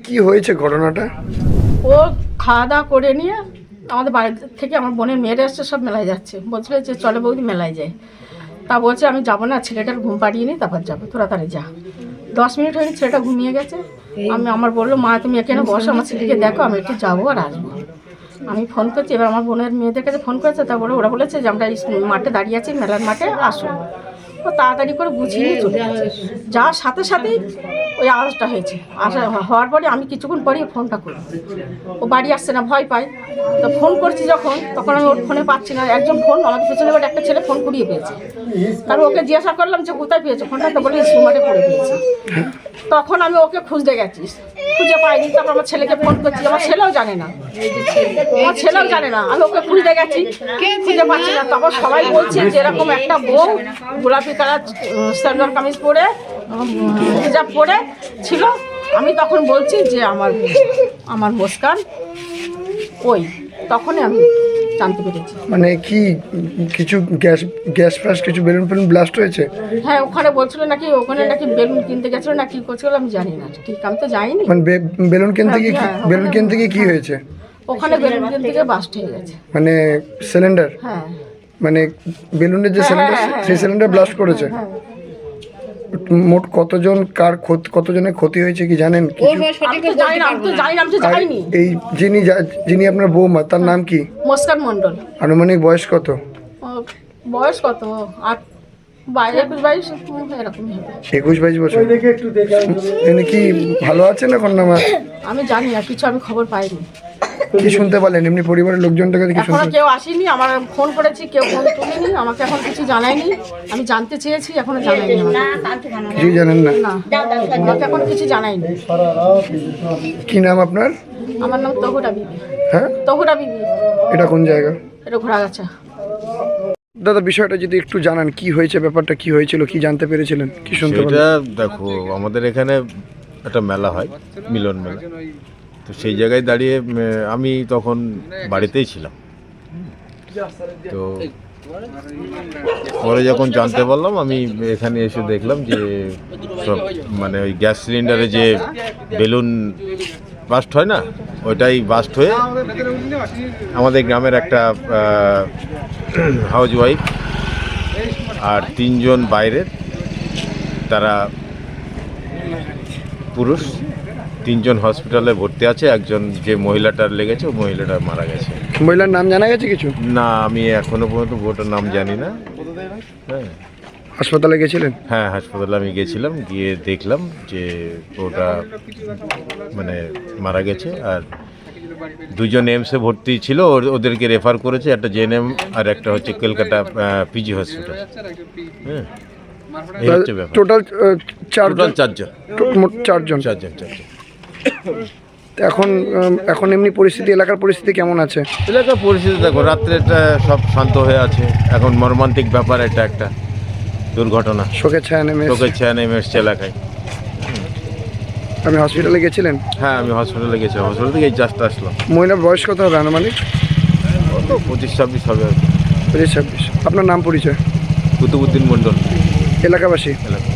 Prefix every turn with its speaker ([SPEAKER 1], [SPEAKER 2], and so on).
[SPEAKER 1] কি হয়েছে ঘটনাটা?
[SPEAKER 2] ও খাওয়া দাওয়া করে নিয়ে আমাদের বাড়ি থেকে আমার বোনের মেয়েরা এসছে, সব মেলায় যাচ্ছে। বলছিল যে চলে বৌদি মেলায় যায়। তা বলছে আমি যাবো না, ছেলেটার ঘুম পাড়িয়ে নিই তারপর যাবো, তোরা তাড়াতাড়ি যা। 10 মিনিট হয়নি, ছেলেটা ঘুমিয়ে গেছে। আমার বললো মা তুমি এখানে বসো, আমার ছেলেকে দেখো, আমি একটু যাবো আর আসবো। আমি ফোন করছি, এবার আমার বোনের মেয়েদের কাছে ফোন করেছে। তারপরে ওরা বলেছে যে আমরা মাঠে দাঁড়িয়ে আছি, মেলার মাঠে আসো। ও তাড়াতাড়ি করে গুছিয়ে নিয়ে চলে গেছে। যাওয়ার সাথে সাথেই ওই আওয়াজটা হয়েছে। হওয়ার পরে আমি কিছুক্ষণ পরেই ফোনটা করি, ও বাড়ি আসছে না, ভয় পায়। তো ফোন করছি যখন, তখন আমি ওর ফোনে পাচ্ছি না। একজন ফোন আমাদের পেছনে বাড়ি একটা ছেলে ফোন কুড়িয়ে পেয়েছে। কারণ ওকে জিজ্ঞাসা করলাম যে কোথায় পেয়েছো ফোনটা, তো বলে স্কুল মাঠে পড়ে পেয়েছি। তখন আমি ওকে খুঁজতে গেছি, খুঁজে পাইনি। তারপর আমার ছেলেকে ফোন করছি, আমার ছেলেও জানে না, আমার ছেলেও জানে না। আমি ওকে খুঁজতে গেছি, খুঁজে পাচ্ছি না। তখন সবাই বলছে যে এরকম একটা বউ গোলাপি কালার সালোয়ার কামিজ পরে, হিজাব পরে ছিল। আমি তখন বলছি যে আমার মুস্কান ওই, তখনই আমি জানতে পেরেছি।
[SPEAKER 1] মানে কি কিছু গ্যাস ফ্যাস কিছু বেলুন ব্লাস্ট হয়েছে?
[SPEAKER 2] হ্যাঁ, ওখানে বলছিল নাকি, ওখানে নাকি বেলুন কিনতে গেছিল না কি করছিল আমি জানি না, ঠিক আমি তো যাইনি।
[SPEAKER 1] মানে বেলুন কিনতে গিয়ে কি হয়েছে?
[SPEAKER 2] ওখানে বেলুন কিনতে গিয়ে বাস্ট হয়ে গেছে।
[SPEAKER 1] মানে সিলিন্ডার,
[SPEAKER 2] হ্যাঁ
[SPEAKER 1] মানে বেলুনের যে সিলিন্ডার, সেই সিলিন্ডার ব্লাস্ট করেছে।
[SPEAKER 2] হ্যাঁ।
[SPEAKER 1] মোট কতজনের ক্ষতি হয়েছে কি জানেন?
[SPEAKER 2] আমি তো জানি না, আমি তো যাইনি।
[SPEAKER 1] এই যিনি আপনার বৌমা, তার নাম কি?
[SPEAKER 2] মুস্কান মণ্ডল।
[SPEAKER 1] আনুমানিক বয়স কত?
[SPEAKER 2] বয়স কত? 21-22 এরকমই হবে।
[SPEAKER 1] 21-22 বছর। এনে কি ভালো আছেন এখন না?
[SPEAKER 2] আমি জানি না কিছু, আমি খবর পাইনি।
[SPEAKER 1] কি শুনতে পারলেন এমনি পরিবারের লোকজনটাকে কি
[SPEAKER 2] এখনো
[SPEAKER 1] শুনতে?
[SPEAKER 2] কেউ আসেনি, আমার ফোন করেছি, কেউ ফোন তুলেনি, আমাকে এখন কিছু জানায়নি। আমি জানতে চেয়েছি, এখনো জানায়নি।
[SPEAKER 1] কিছুই জানেন না?
[SPEAKER 2] না, আমাকে এখন কিছু জানায়নি।
[SPEAKER 1] কি নাম আপনার?
[SPEAKER 2] আমার নাম তহুরা বিবি।
[SPEAKER 1] হ্যাঁ,
[SPEAKER 2] তহুরা বিবি।
[SPEAKER 1] এটা কোন জায়গা?
[SPEAKER 2] এটা ঘোড়াগাছা।
[SPEAKER 1] দাদা, বিষয়টা যদি একটু জানান, কি হয়েছে, ব্যাপারটা কি হয়েছিল, কি জানতে পেরেছিলেন, কি শুনতে পেলেন?
[SPEAKER 3] সেটা দেখো, আমাদের এখানে একটা মেলা হয়, মিলন মেলা। তো সেই জায়গায় দাঁড়িয়ে আমি তখন বাড়িতেই ছিলাম। তো পরে যখন জানতে পারলাম, আমি এখানে এসে দেখলাম যে সব মানে ওই গ্যাস সিলিন্ডারে যে বেলুন বাস্ট হয় না, ওইটাই বাস্ট হয়ে আমাদের গ্রামের একটা হাউস ওয়াইফ আর 3 জন বাইরের, তারা পুরুষ, 3 জন হসপিটালে ভর্তি আছে। একজন যে মহিলাটার লেগেছে, ওই মহিলাটা মারা গেছে।
[SPEAKER 1] মহিলার নাম জানা গেছে কিছু?
[SPEAKER 3] না, আমি এখনো পর্যন্ত ওটার নাম জানি না। হ্যাঁ,
[SPEAKER 1] হাসপাতালে গেছিলেন?
[SPEAKER 3] হ্যাঁ, হাসপাতালে আমি গেছিলাম, গিয়ে দেখলাম যে ওটা মানে মারা গেছে। আর 2 জন এমসে ভর্তি ছিল, ওদেরকে রেফার করেছে, একটা জেএনএম আর একটা হচ্ছে কলকাতা পিজি হসপিটাল। হ্যাঁ, এই হচ্ছে ব্যাপার।
[SPEAKER 1] টোটাল
[SPEAKER 3] টোটাল 4 জন।
[SPEAKER 1] মোট 4 জন। এখন এমনি পরিস্থিতি, এলাকার পরিস্থিতি কেমন আছে?
[SPEAKER 3] এলাকার পরিস্থিতি দেখো, রাত্রেটা সব শান্ত হয়ে আছে। এখন মর্মান্তিক ব্যাপার, এটা একটা দুর্ঘটনা,
[SPEAKER 1] শোকের ছায়া নেমে
[SPEAKER 3] এসছে এলাকায়।
[SPEAKER 1] আপনি হসপিটালে গেছিলেন?
[SPEAKER 3] হ্যাঁ, আমি হসপিটালে গেছিলাম, হসপিটাল থেকে জাস্ট আসলাম।
[SPEAKER 1] মহিলার বয়স কত হবে আনুমানিক?
[SPEAKER 3] কত 25-26 হবে আর কি।
[SPEAKER 1] 25-26। আপনার নাম পরিচয়?
[SPEAKER 3] কুতুবুদ্দিন মণ্ডল,
[SPEAKER 1] এলাকাবাসী?
[SPEAKER 3] এলাকা।